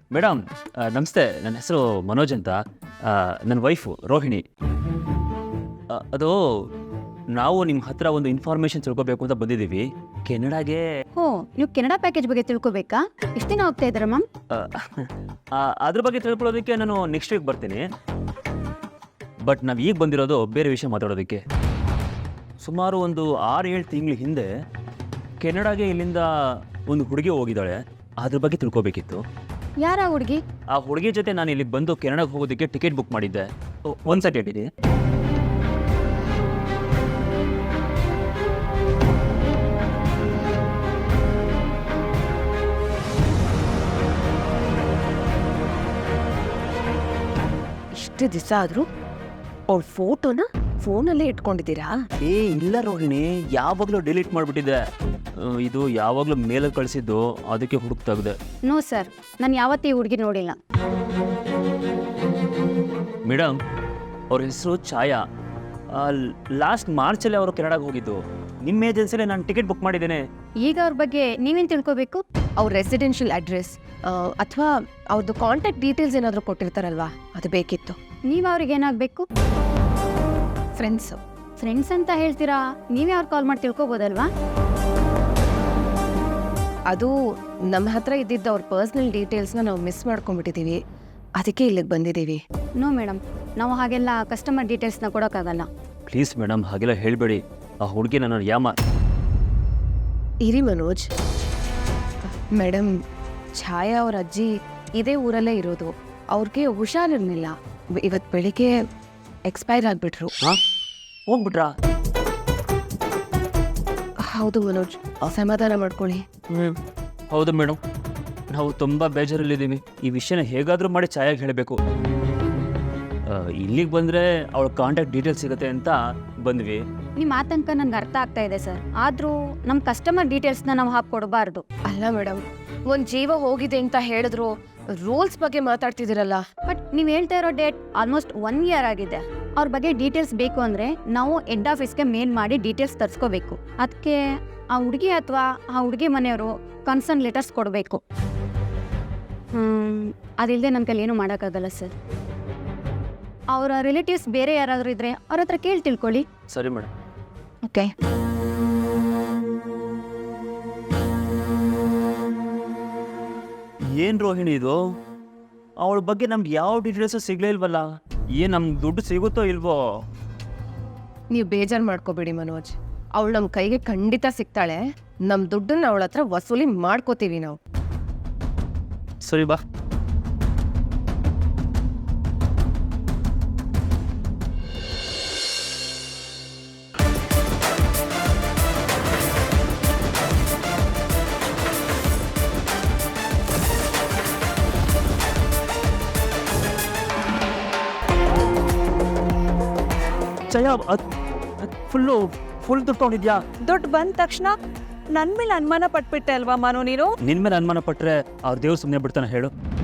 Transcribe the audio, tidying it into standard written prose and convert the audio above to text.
Madam ನಮಸ್ತೆ. ನನ್ನ ಹೆಸರು ಮನೋಜ್ ಅಂತ. ನನ್ನ ವೈಫು ರೋಹಿಣಿ. ಅದು ನಾವು ನಿಮ್ಮ ಹತ್ರ ಒಂದು ಇನ್ಫಾರ್ಮೇಷನ್ ತಿಳ್ಕೊಬೇಕು ಅಂತ ಬಂದಿದ್ದೀವಿ. ಕೆನಡಾಗೆ ನೀವು ಕೆನಡಾ ಪ್ಯಾಕೇಜ್ ಬಗ್ಗೆ ತಿಳ್ಕೊಬೇಕಾ? ಎಷ್ಟು ದಿನ ಹೋಗ್ತಾ ಇದ್ದೀರಾ ಮ್ಯಾಮ್? ಅದ್ರ ಬಗ್ಗೆ ತಿಳ್ಕೊಳ್ಳೋದಕ್ಕೆ ನಾನು ನೆಕ್ಸ್ಟ್ ವೀಕ್ ಬರ್ತೀನಿ. ಬಟ್ ನಾವು ಈಗ ಬಂದಿರೋದು ಬೇರೆ ವಿಷಯ ಮಾತಾಡೋದಕ್ಕೆ. ಸುಮಾರು ಒಂದು 6-7 ತಿಂಗಳ ಹಿಂದೆ ಕೆನಡಾಗೆ ಇಲ್ಲಿಂದ ಒಂದು ಹುಡುಗಿ ಹೋಗಿದ್ದಾಳೆ. ಅದ್ರ ಬಗ್ಗೆ ತಿಳ್ಕೊಬೇಕಿತ್ತು. ಯಾರ ಹುಡುಗಿ? ಆ ಹುಡುಗಿ ಜೊತೆ ನಾನು ಇಲ್ಲಿಗೆ ಬಂದು ಕೆನಡಾಗೆ ಹೋಗೋದಕ್ಕೆ ಟಿಕೆಟ್ ಬುಕ್ ಮಾಡಿದ್ದೆ. ಒಂದು ಸೆಕೆಂಡ್ ಇಡಿ. ಇಷ್ಟು ದಿವಸ ಆದರೂ ಅವ್ಳ ಫೋಟೋನ ಫೋನಲ್ಲೇ ಇಟ್ಕೊಂಡಿದ್ದೀರಾ? ಇಲ್ಲ ರೋಹಿಣಿ, ಯಾವಾಗಲೂ ಡಿಲೀಟ್ ಮಾಡಿಬಿಟ್ಟಿದ್ದೆ. ಇದು ಯಾವಾಗಲೂ ಮೇಲಲ್ಲಿ ಕಳಿಸಿದ್ದು, ಅದಕ್ಕೆ ಹುಡುಕ್ತಾಗಿದೆ. ನೋ ಸರ್, ನಾನು ಯಾವತ್ತೂ ಈ ಹುಡುಗಿ ನೋಡಿಲ್ಲ. ಮೇಡಮ್, ಅವ್ರ ಹೆಸರು ಛಾಯಾ. ಲಾಸ್ಟ್ ಮಾರ್ಚಲ್ಲಿ ಅವರು ಕೆನಡಾಗೆ ಹೋಗಿದ್ದು. ನಿಮ್ಮ ಏಜೆನ್ಸಿಲೇ ನಾನು ಟಿಕೆಟ್ ಬುಕ್ ಮಾಡಿದ್ದೇನೆ. ಈಗ ಅವ್ರ ಬಗ್ಗೆ ನೀವೇನು ತಿಳ್ಕೊಬೇಕು? ಅವ್ರ ರೆಸಿಡೆನ್ಷಿಯಲ್ ಅಡ್ರೆಸ್ ಅಥವಾ ಅವ್ರದ್ದು ಕಾಂಟ್ಯಾಕ್ಟ್ ಡೀಟೇಲ್ಸ್ ಏನಾದರೂ ಕೊಟ್ಟಿರ್ತಾರಲ್ವಾ, ಅದು ಬೇಕಿತ್ತು. ನೀವು ಅವ್ರಿಗೆ ಏನಾಗಬೇಕು? ಫ್ರೆಂಡ್ಸ್ ಅಂತ ಹೇಳ್ತೀರಾ? ನೀವೇ ಅವ್ರು ಕಾಲ್ ಮಾಡಿ ತಿಳ್ಕೊಬೋದಲ್ವಾ? ಅದು ನಮ್ಮ ಹತ್ರ ಇದ್ದಿದ್ದ ಅವ್ರ ಪರ್ಸ್ನಲ್ ಡೀಟೇಲ್ಸ್ನ ನಾವು ಮಿಸ್ ಮಾಡ್ಕೊಂಡ್ಬಿಟ್ಟಿದ್ದೀವಿ. ಅದಕ್ಕೆ ಇಲ್ಲಿಗೆ ಬಂದಿದ್ದೀವಿ. ನೋ ಮೇಡಮ್, ನಾವು ಹಾಗೆಲ್ಲ ಕಸ್ಟಮರ್ ಡೀಟೇಲ್ಸ್ನ ಕೊಡೋಕ್ಕಾಗಲ್ಲ. ಪ್ಲೀಸ್ ಮೇಡಮ್, ಹಾಗೆಲ್ಲ ಹೇಳಬೇಡಿ. ಆ ಹುಡುಗಿ ನನ್ನ ಇರಿ ಮನೋಜ್. ಮೇಡಮ್, ಛಾಯಾ ಅವ್ರ ಅಜ್ಜಿ ಇದೇ ಊರಲ್ಲೇ ಇರೋದು. ಅವ್ರಿಗೆ ಹುಷಾರಿರ್ಲಿಲ್ಲ. ಇವತ್ತು ಬೆಳಿಗ್ಗೆ ಎಕ್ಸ್ಪೈರ್ ಆಗಿಬಿಟ್ರು. ಹೋಗ್ಬಿಟ್ರಾ? ಹೌದು ಮನೋಜ್, ಸಮಾಧಾನ ಮಾಡ್ಕೊಳ್ಳಿ. ಹೌದು ಮೇಡಮ್, ನಾವು ತುಂಬ ಬೇಜಾರಲ್ಲಿದ್ದೀವಿ. ಈ ವಿಷಯನ ಹೇಗಾದರೂ ಮಾಡಿ ಛಾಯಾಗೆ ಹೇಳಬೇಕು. ಇಲ್ಲಿಗೆ ಬಂದರೆ ಅವಳ ಕಾಂಟ್ಯಾಕ್ಟ್ ಡೀಟೇಲ್ಸ್ ಸಿಗುತ್ತೆ ಅಂತ ಬಂದ್ವಿ. ನಿಮ್ಮ ಆತಂಕ ನನಗೆ ಅರ್ಥ ಆಗ್ತಾ ಇದೆ ಸರ್. ಆದರೂ ನಮ್ಮ ಕಸ್ಟಮರ್ ಡೀಟೇಲ್ಸ್ನ ನಾವು ಹಾಕ್ಕೊಡ್ಬಾರ್ದು. ಅಲ್ಲ ಮೇಡಮ್, ಒಂದು ಜೀವ ಹೋಗಿದೆ ಅಂತ ಹೇಳಿದ್ರು ರೂಲ್ಸ್ ಬಗ್ಗೆ ಮಾತಾಡ್ತಿದ್ದೀರಲ್ಲ. ಬಟ್ ನೀವು ಹೇಳ್ತಾ ಇರೋ ಡೇಟ್ ಆಲ್ಮೋಸ್ಟ್ 1 ಇಯರ್ ಆಗಿದೆ. ಅವ್ರ ಬಗ್ಗೆ ಡೀಟೇಲ್ಸ್ ಬೇಕು ಅಂದರೆ ನಾವು ಹೆಡ್ ಆಫೀಸ್ಗೆ ಮೇಲ್ ಮಾಡಿ ಡೀಟೇಲ್ಸ್ ತರಿಸ್ಕೋಬೇಕು. ಅದಕ್ಕೆ ಆ ಹುಡುಗಿ ಅಥವಾ ಆ ಹುಡುಗಿ ಮನೆಯವರು ಕನ್ಸರ್ನ್ ಲೆಟರ್ಸ್ ಕೊಡಬೇಕು. ಅದಿಲ್ಲದೆ ನನ್ನ ಕೈಲಿ ಏನೂ ಮಾಡೋಕ್ಕಾಗಲ್ಲ ಸರ್. ಅವರ ರಿಲೇಟಿವ್ಸ್ ಬೇರೆ ಯಾರಾದರೂ ಇದ್ದರೆ ಅವ್ರ ಹತ್ರ ಕೇಳಿ ತಿಳ್ಕೊಳ್ಳಿ. ಸರಿ ಮೇಡಮ್. ಓಕೆ. ಏನು ರೋಹಿಣಿ ಇದು? ಅವಳ ಬಗ್ಗೆ ನಮ್ಗೆ ಯಾವ ಡೀಟೇಲ್ಸು ಸಿಗಲೇ ಇಲ್ವಲ್ಲ. ಏನು ನಮ್ಗೆ ದುಡ್ಡು ಸಿಗುತ್ತೋ ಇಲ್ವೋ? ನೀವು ಬೇಜಾರು ಮಾಡ್ಕೋಬೇಡಿ ಮನೋಜ್. ಅವಳು ನಮ್ಮ ಕೈಗೆ ಖಂಡಿತ ಸಿಗ್ತಾಳೆ. ನಮ್ಮ ದುಡ್ಡನ್ನ ಅವಳ ಹತ್ರ ವಸೂಲಿ ಮಾಡ್ಕೋತೀವಿ ನಾವು. ಸರಿ ಬಾ. ಜಯ, ಫುಲ್ ದುಡ್ಡು ತೊಗೊಂಡಿದ್ಯಾ? ದುಡ್ಡು ಬಂದ ತಕ್ಷಣ ನನ್ನ ಮೇಲೆ ಅನುಮಾನ ಪಟ್ಬಿಟ್ಟೆ ಅಲ್ವಾ ಮಾನು ನೀನು? ನಿನ್ ಮೇಲೆ ಅನುಮಾನ ಪಟ್ರೆ ಅವ್ರ ದೇವ್ರು ಸುಮ್ಮನೆ ಬಿಡ್ತಾನೆ ಹೇಳು?